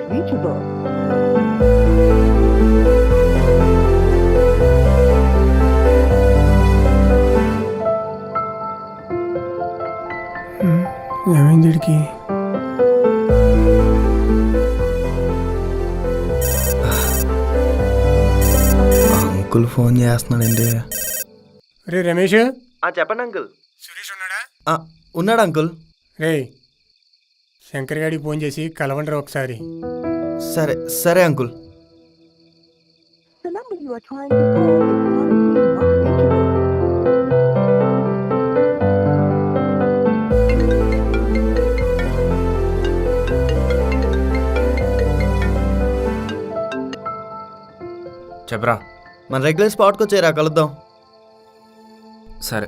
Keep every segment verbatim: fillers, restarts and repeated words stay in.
reachable. ఏమైంది వీడికి? Uncle phone చేస్తున్నాడండి. రే రమేష్, చెప్పండి అంకుల్. సురేష్ ఉన్నాడా? ఉన్నాడు అంకుల్. రే శంకర్ గారికి ఫోన్ చేసి కలవండి ఒకసారి. సరే సరే uncle. The number you are trying to call is currently not reachable. చెప్పరా. మన రెగ్యులర్ స్పాట్కి వచ్చారా, కలుద్దాం. సరే.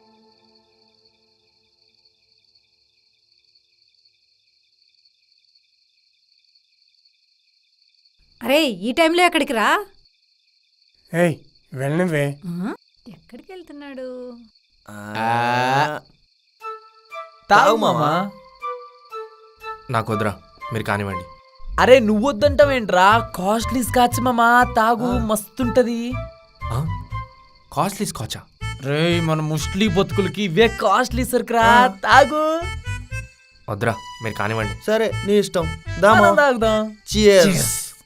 అరే ఈ టైంలో ఎక్కడికి రా? ఏయ్ వెళ్ళనివే. ఎక్కడికి వెళ్తున్నాడు? తాగు మామా. నాకు వద్దురా, మీరు కానివ్వండి. అరే నువ్వు వద్దంటావేంట్రా? కాస్ట్లీ స్కాచ్ మామా, తాగు మస్తుంటది. కాస్ట్లీ స్కాచా? రే మన ముస్లి బతుకులకి ఇవే కాస్ట్లీ సరుకురా, తాగు. వద్దురా, మీరు కానివ్వండి. సరే నీ ఇష్టం, దామా తాగుదాం. Cheers.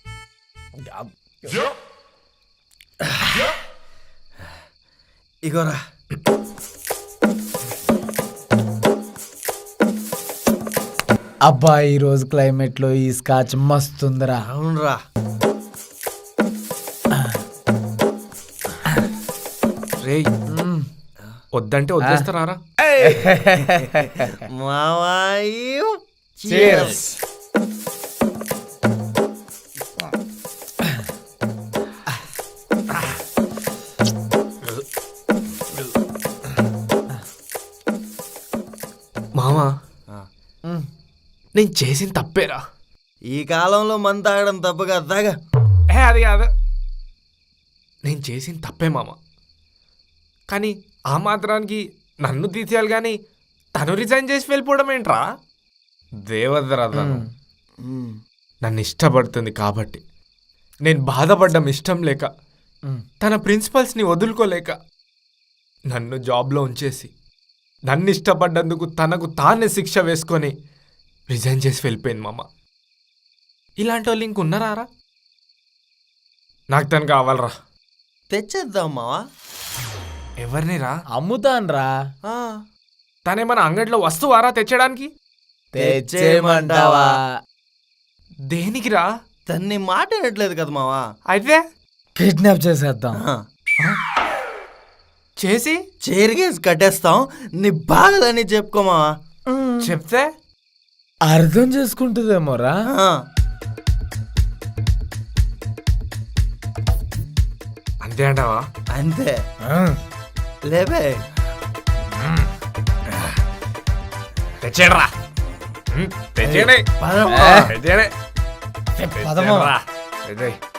ఇగోరా. అబ్బా ఈ రోజు క్లైమేట్ లో ఈ స్కాచ్ మస్తుందిరా. అవునరా. రే వద్దంటే వదిలేస్తారా? మావాయు. Cheers. మామా నేను చేసిన తప్పేరా. ఈ కాలంలో మందు తాగడం తప్పు కదా, తాగా. ఏ అది కాదు, నేను చేసిన తప్పే మామ. కానీ ఆ మాత్రానికి నన్ను తీసేయాలి కానీ తను రిజైన్ చేసి వెళ్ళిపోవడం ఏంట్రా? దేవదరా తను నన్ను ఇష్టపడుతుంది కాబట్టి నేను బాధపడ్డం ఇష్టం లేక, తన ప్రిన్సిపల్స్ని వదులుకోలేక నన్ను జాబ్లో ఉంచేసి నన్ను ఇష్టపడ్డందుకు తనకు తానే శిక్ష వేసుకొని రిజైన్ చేసి వెళ్ళిపోయింది మామ. ఇలాంటి వాళ్ళు ఇంకున్నారా? నాకు తను కావాలరా. తెచ్చేద్దాం మావా. ఎవరిని రా? అమ్ముతాన్రా. తనేమన్నా అంగడిలో వస్తువారా తెచ్చడానికి? తెచ్చేయమంటావా? దేనికి రా? తన్ని మాట వినట్లేదు కదా మావా. అయితే కిడ్నాప్ చేసేద్దాం. చేసి చేరిగేసి కట్టేస్తాం. నీ బాధలని చెప్పుకో మావా. చెప్తే అర్థం చేసుకుంటుందేమోరా. అంతే అంటావా? అంతే లేవే. తెచ్చేయరా. తెచ్చేయండి. పదమ్మా. తెచ్చేయండి. పదమా. తెచ్చేయండి.